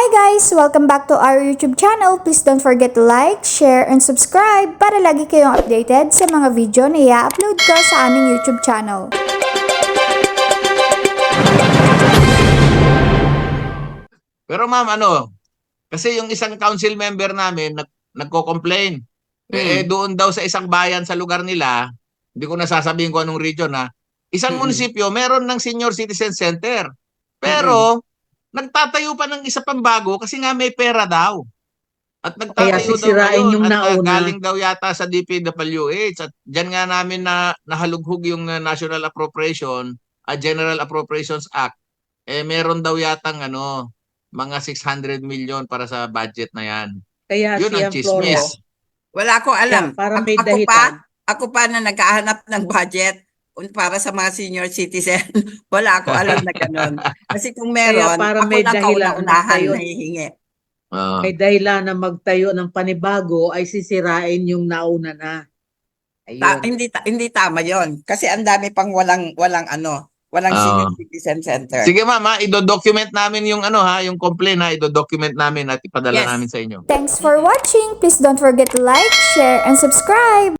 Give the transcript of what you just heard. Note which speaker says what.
Speaker 1: guys! Welcome back to our YouTube channel. Please don't forget to like, share, and subscribe para lagi kayong updated sa mga video na i-upload ko sa aming YouTube channel.
Speaker 2: Pero ma'am, kasi yung isang council member namin nagko-complain. Doon daw sa isang bayan sa lugar nila, hindi ko nasasabihin ko anong region isang munisipyo meron ng senior citizen center. Pero nagtatayo pa ng isa pang bago kasi nga may pera daw. At
Speaker 3: Kaya
Speaker 2: nagtatayo daw
Speaker 3: sisirain
Speaker 2: ngayon
Speaker 3: yung
Speaker 2: at
Speaker 3: nauna.
Speaker 2: galing daw yata sa DPWH at diyan nga namin na nahalughog yung National Appropriation, General Appropriations Act. Meron daw yatang mga 600 million para sa budget na yan.
Speaker 3: Kaya
Speaker 2: Yun ang
Speaker 3: siyang Floro.
Speaker 2: chismis.
Speaker 4: Wala ko alam.
Speaker 3: Yeah, para may
Speaker 4: Ako
Speaker 3: dahilan.
Speaker 4: ako pa na naghahanap ng budget para sa mga senior citizen. Wala ako alam na ganun. Kasi kung meron,
Speaker 3: Kaya para
Speaker 4: ako
Speaker 3: may
Speaker 4: lang
Speaker 3: dahilan
Speaker 4: kauna-unahan
Speaker 3: tayo.
Speaker 4: na hihingi.
Speaker 3: May dahilan na magtayo ng panibago ay sisirain yung nauna na. Ayun.
Speaker 4: Hindi tama 'yon. Kasi ang dami pang walang senior citizen center.
Speaker 2: Sige ma'am, ido-document namin yung yung complaint ido-document namin at ipadala
Speaker 4: Yes.
Speaker 2: namin sa inyo.
Speaker 1: Thanks for watching! Please don't forget to like, share, and subscribe!